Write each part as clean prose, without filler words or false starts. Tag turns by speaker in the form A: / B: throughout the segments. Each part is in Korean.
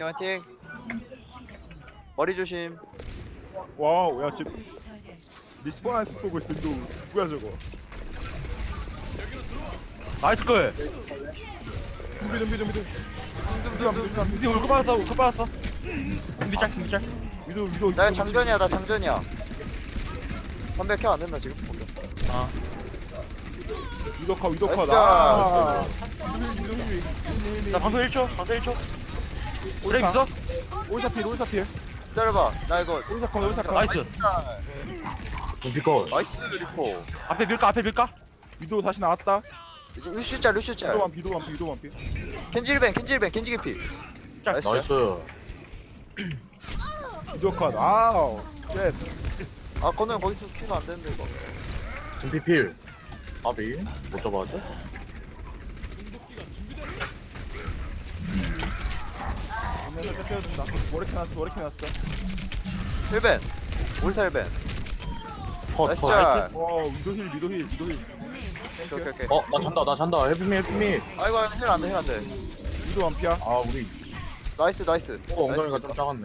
A: 화이팅 화이팅. 머리 조심.
B: 와우, 야, 지금 리스폰한테 쏘고 있어. 이거 누구야 저거?
C: 나이스 걸.
B: 준비.
C: 우리 울고 받았어. 울고 받았어. 준비 짝.
B: 위도.
A: 나 장전이야 나 장전이야. 담배 켜안 된다 지금. 오케이.
C: 아.
B: 위도 컷.
A: 나이스.
B: 아.
C: 나 방송 1초. 브레이크 있어?
B: 올사필.
A: 기다려봐. 나 이거
B: 올사컷.
C: 나이스.
D: 둠피컷.
A: 나이스 리포.
C: 앞에 밀까?
B: 위도 다시 나왔다.
A: 이제 루슈짤.
B: 위도 완피.
A: 켄지 개피.
C: 짝.
A: 나이스.
D: 나이스.
B: 위도 컷. 아우. 쉣.
A: 아 건우 형 거기 있으면 큐가 안 되는데 이거.
D: 둠피필. 아비. 못 잡아왔죠?
B: 안면서 떼어준다. 머리캐 났어.
A: 힐벤. 올살벤.
D: 컷.
A: 나이스
D: 컷.
A: 짤.
B: 와, 위도 힐.
A: 오케이.
D: 나 잔다. 헬프미.
A: 아이고 힐 안돼.
B: 위도 완피야.
D: 아, 우리.
A: 나이스.
D: 엉덩이가 좀 작았네.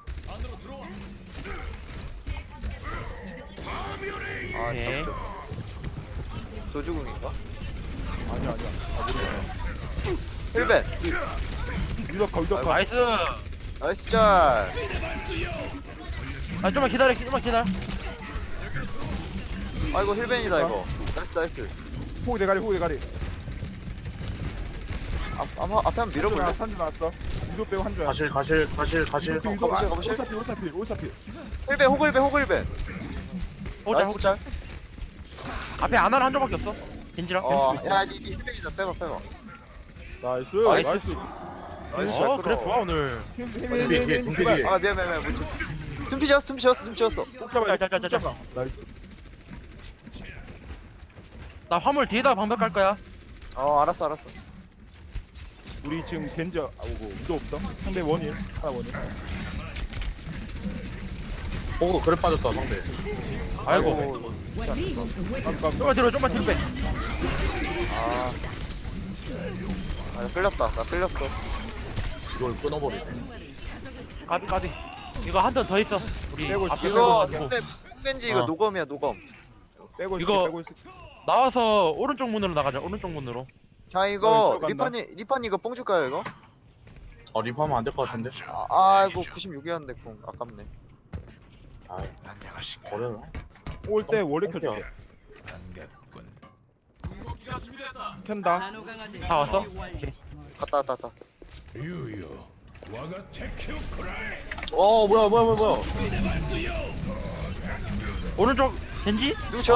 A: 아
C: 오케이.
A: 도주궁인가?
B: 아니야. 아, 모르겠네.
A: 힐벤.
B: 위도 컷.
C: 나이스.
A: 나이스 짤.
C: 아 좀만 기다려.
A: 아이고 힐벤이다 이거. 나이스.
B: 호구 대가리.
A: 앞에 한번 밀어볼래?
B: 산주 나왔어. 위도 빼고 한 줄.
D: 가실.
A: 가보실?
B: 올사필.
A: 힐벤 호글벤. 나이스 짤.
C: 앞에 아나를 한 점밖에 없어. 겐지랑.
A: 야, 니 힐벤이다. 빼봐.
B: 나이스.
A: 나이스 잘
C: 어 그래
A: 끌어.
C: 좋아 오늘.
D: 둠피.
A: 아 미안. tum피 지었어.
B: 꼭 잡아야 돼.
C: 짤.
B: 나이스.
C: 나 화물 뒤에다 방벽 갈 거야.
A: 알았어.
B: 우리 지금 겐지 오고 위도 없어. 상대 원일. 하나 원일.
D: 호구 그래 빠졌다, 상대.
C: 아이고.
B: 깜깜.
C: 좀만 뒤로 빼.
A: 나 끌렸어.
D: 이걸 끊어버리네.
C: 까비. 이거 한 턴 더 있어. 우리
B: 빼고
C: 앞에
A: 이거
C: 빼고.
A: 상대 겐지 이거
C: 어.
A: 노검이야.
B: 빼고
C: 이거-
B: 있을게.
C: 나와서 오른쪽 문으로 나가자. 오른쪽 문으로.
A: 자 이거
B: 왼쪽 간다.
A: 리판이 이거 뽕 줄까요 이거?
D: 리프하면 안 될 것 같은데?
A: 아이고 96이었는데 궁 아깝네.
D: 아, 버려라.
B: 올때 원래 켜줘. 켠다.
C: 다 왔어?
A: 갔다.
D: 뭐야.
C: 오른쪽 겐지?
A: 누구 쳐?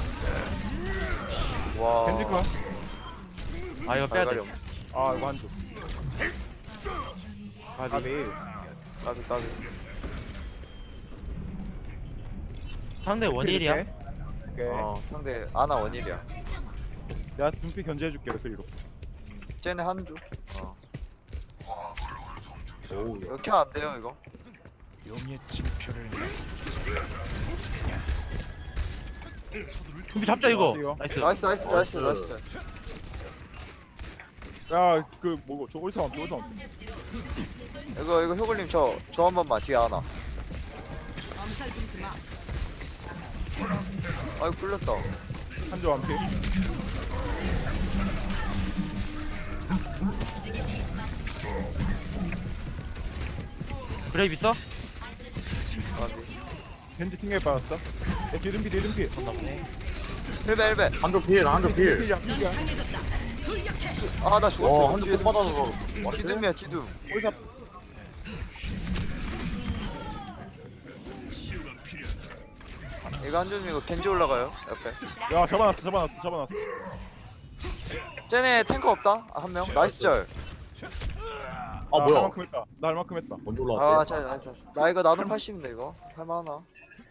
A: 와.
B: 겐지 컷.
C: 이거 빼야 돼.
A: 갈갈이 없네.
B: 아, 이거 한 줄.
A: 까비.
C: 상대 원일이야.
B: 오케이.
A: 상대 아나 원일이야.
B: 내가 눈빛 견제해줄게 레프리로.
A: 쟤네 한주.
D: 오,
A: 이렇게 안 돼요 이거.
C: 준비 잡자 이거.
B: 이거.
C: 나이스.
A: 나이스.
B: 야, 그 뭐고? 저 올사 없어.
A: 이거 효글님 저 한 번만 뒤에 하나. 아이고 끌렸다.
B: 한줄 완피.
C: 브레이브 있어?
B: 겐지 킹에 받았어. 야, 뒤름피.
A: 힐벤.
D: 한쪽 필.
B: 필이야.
A: 아 나 죽었어.
D: 한쪽
A: 뒤에
D: 끝 받아서.
A: 뒤둠이야 뒤둠.
B: 올사.
A: 이거 한줌 이거 겐지 올라가요 옆에.
B: 야, 잡아놨어.
A: 쟤네 탱커 없다. 한 명. 나이스 절.
D: 아, 뭐야.
B: 나 할만큼 했다.
D: 먼저 올라왔어.
A: 잘 나이스. 나 이거 나눔 80인데 이거 할만하나?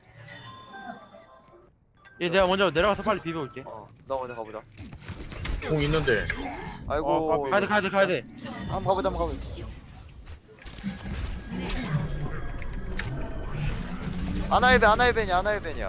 C: 얘 내가 먼저 내려가서 빨리 비벼올게.
A: 나 먼저 가보자.
D: 공 있는데.
A: 아이고.
C: 가야 돼.
A: 한번 가보자. 아나일벤이야.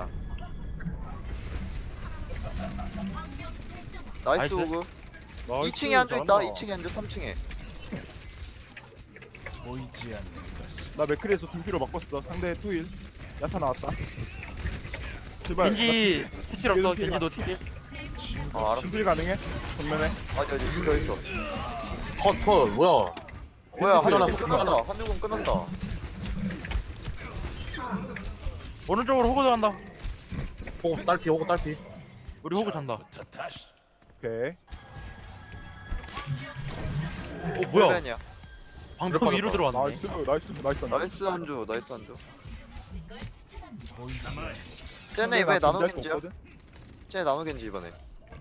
A: 나이스
C: 나이스.
A: 오그. 2층에 한조 있다. 2층에 한조 3층에.
B: 나 맥크리에서 둠피로 바꿨어. 상대 투일. 야타 나왔다. 제발.
C: 겐지 티칠 없어. 겐지 너 티칠.
A: 아 알았어.
B: 둠필 가능해? 정면에.
A: 어디 죽여 있어.
D: 컷 뭐야?
A: 뭐야
D: 괜찮아,
A: 한명은 끝났다. 한명은 끝났다.
C: 오른쪽으로 호구 들어간다.
D: 호구 딸피 호구 딸피.
C: 우리 호구 잔다.
B: 오케이.
C: 뭐야?
A: 헬벤이야.
C: 방금
D: 빠졌다.
C: 위로 들어왔네.
B: 나이스.
A: 나이스 한주 나이스 한주. 쟤네 이번에 나노겐지야. 쟤네 나노겐지 이번에.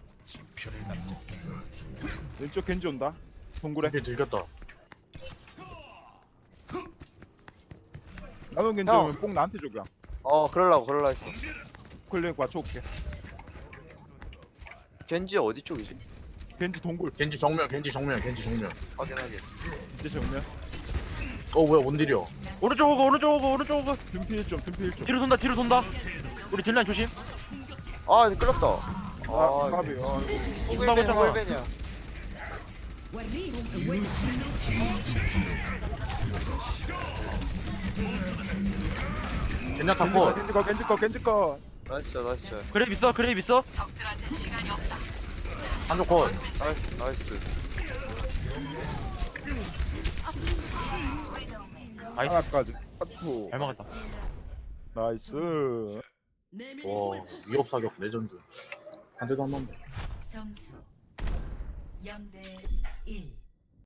B: 왼쪽 겐지 온다. 동굴에.
D: 둠피 들켰다.
B: 나노 겐지
A: 형.
B: 오면 꼭 나한테 줘 그냥.
A: 그럴라 했어.
B: 클릭 맞춰올게.
A: 겐지 어디 쪽이지?
B: 겐지 동굴.
D: 겐지 정면.
A: 확인하게.
B: 이제 정면.
D: 뭐야 원딜이야.
C: 오른쪽 호구.
B: 둠피 1점.
C: 뒤로 돈다. 우리 딜라인 조심.
A: 아 끌렸다.
B: 아 까비.
C: 나가잖아.
A: 헬벤이야.
D: 겐야타 컷.
B: 겐지 거.
A: 나이스.
C: 그래 있어.
D: 한쪽 컷.
A: 나이스.
C: 나이스.
B: 하나까지. 파투.
C: 잘 막았다.
B: 나이스.
D: 와 위협 사격 레전드. 한 대도 안 맞네.
E: 점수 0대 1.